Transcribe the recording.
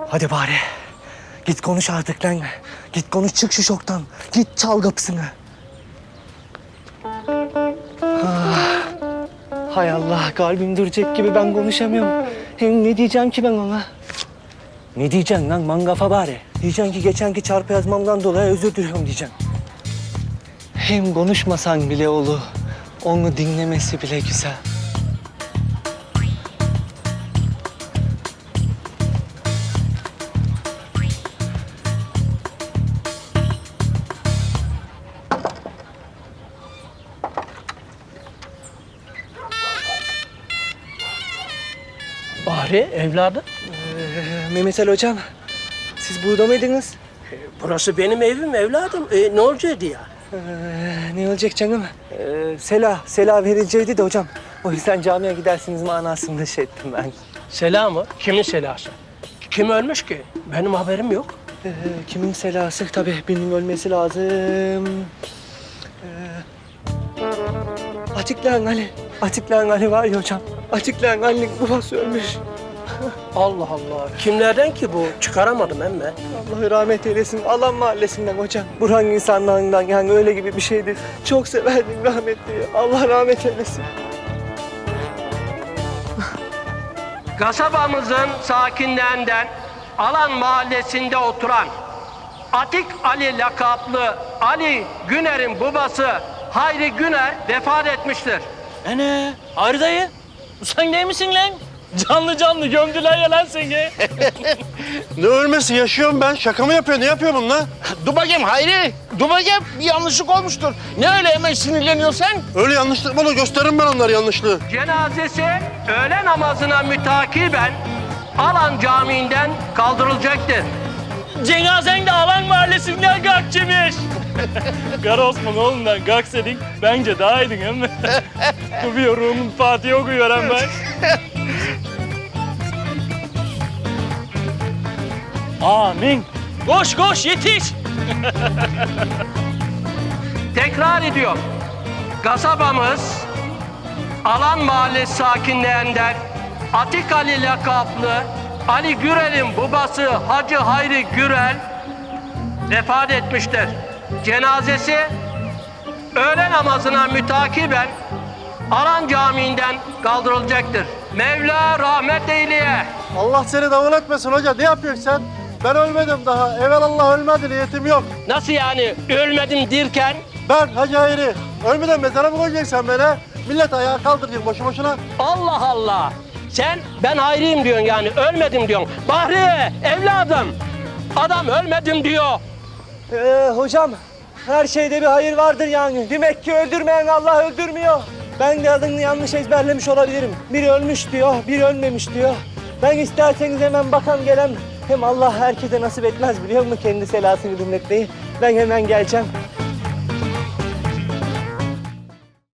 Hadi bari. Git konuş artık lan. Git konuş, çık şu şoktan. Git çal kapısını. Ah. Hay Allah, kalbim duracak gibi ben konuşamıyorum. Hem ne diyeceğim ki ben ona? Ne diyeceksin lan mangafa bari? Diyeceksin ki geçenki çarpı yazmamdan dolayı özür diliyorum diyeceksin. Hem konuşmasan bile olur. Onu dinlemesi bile güzel. Bahri evladım. Mehmet Ali hocam, siz burada mıydınız? Burası benim evim evladım. Ne olacaktı ya? Ne olacak canım? Sela verileceğiydi de hocam. O yüzden camiye gidersiniz manasında şey ettim ben. Sela mı? Kimin selası? Kim ölmüş ki? Benim haberim yok. Kimin selası? Tabii birinin ölmesi lazım. Açıklayan Ali. Açıklayan Ali var ya hocam. Açıklayan Ali'nin babası ölmüş. Allah Allah. Kimlerden ki bu? Çıkaramadım emme. Allah rahmet eylesin. Alan mahallesinden hocam. Burhan insanlarından yani öyle gibi bir şeydi. Çok severdim rahmetliyi. Allah rahmet eylesin. Kasabamızın sakinlerinden Alan Mahallesi'nde oturan Atik Ali lakaplı Ali Güner'in babası Hayri Güner vefat etmiştir. Ana, Hayri dayı. Sen değil misin lan? Canlı canlı gömdüler ya lan seni. Ne ölmesi? Yaşıyorum ben. Şaka mı yapıyor? Ne yapıyor bunlar? Dur bakayım Hayri. Dur bakayım. Bir yanlışlık olmuştur. Ne öyle hemen sinirleniyorsun sen? Öyle yanlışlık bana gösteririm ben onları yanlışlığı. Cenazesi öğle namazına mütakiben Alan Camii'nden kaldırılacaktır. Cenazen de Alan Mahallesi'nden kalkçıymış. Kara Osman oğlundan kalksaydın bence daha iyiydin hem mi? Dur bir ruhumun Fatih'i okuyor hem ben. Amin. Koş koş yetiş. Tekrar ediyor. Kasabamız Alan Mahallesi sakinlerinden Atik Ali lakaplı Ali Gürel'in babası Hacı Hayri Gürel vefat etmiştir. Cenazesi öğle namazına mütakiben Alan Camii'nden kaldırılacaktır. Mevla rahmet eyleye. Allah seni davul etmesin hoca. Ne yapıyorsun sen? Ben ölmedim daha. Evelallah ölmedi. Niyetim yok. Nasıl yani ölmedim derken? Ben Hacı Hayri. Ölmeden mezara mı koyacaksın sen beni? Millet ayağa kaldıracaksın boşu boşuna. Allah Allah. Sen ben hayriyim diyorsun yani ölmedim diyorsun. Bahri evladım adam ölmedim diyor. Hocam, her şeyde bir hayır vardır yani. Demek ki öldürmeyen Allah öldürmüyor. Ben de adını yanlış ezberlemiş olabilirim. Biri ölmüş diyor, biri ölmemiş diyor. Ben isterseniz hemen bakan gelen, hem Allah herkese nasip etmez biliyor musun kendi selasını dinletmeyi. Ben hemen geleceğim.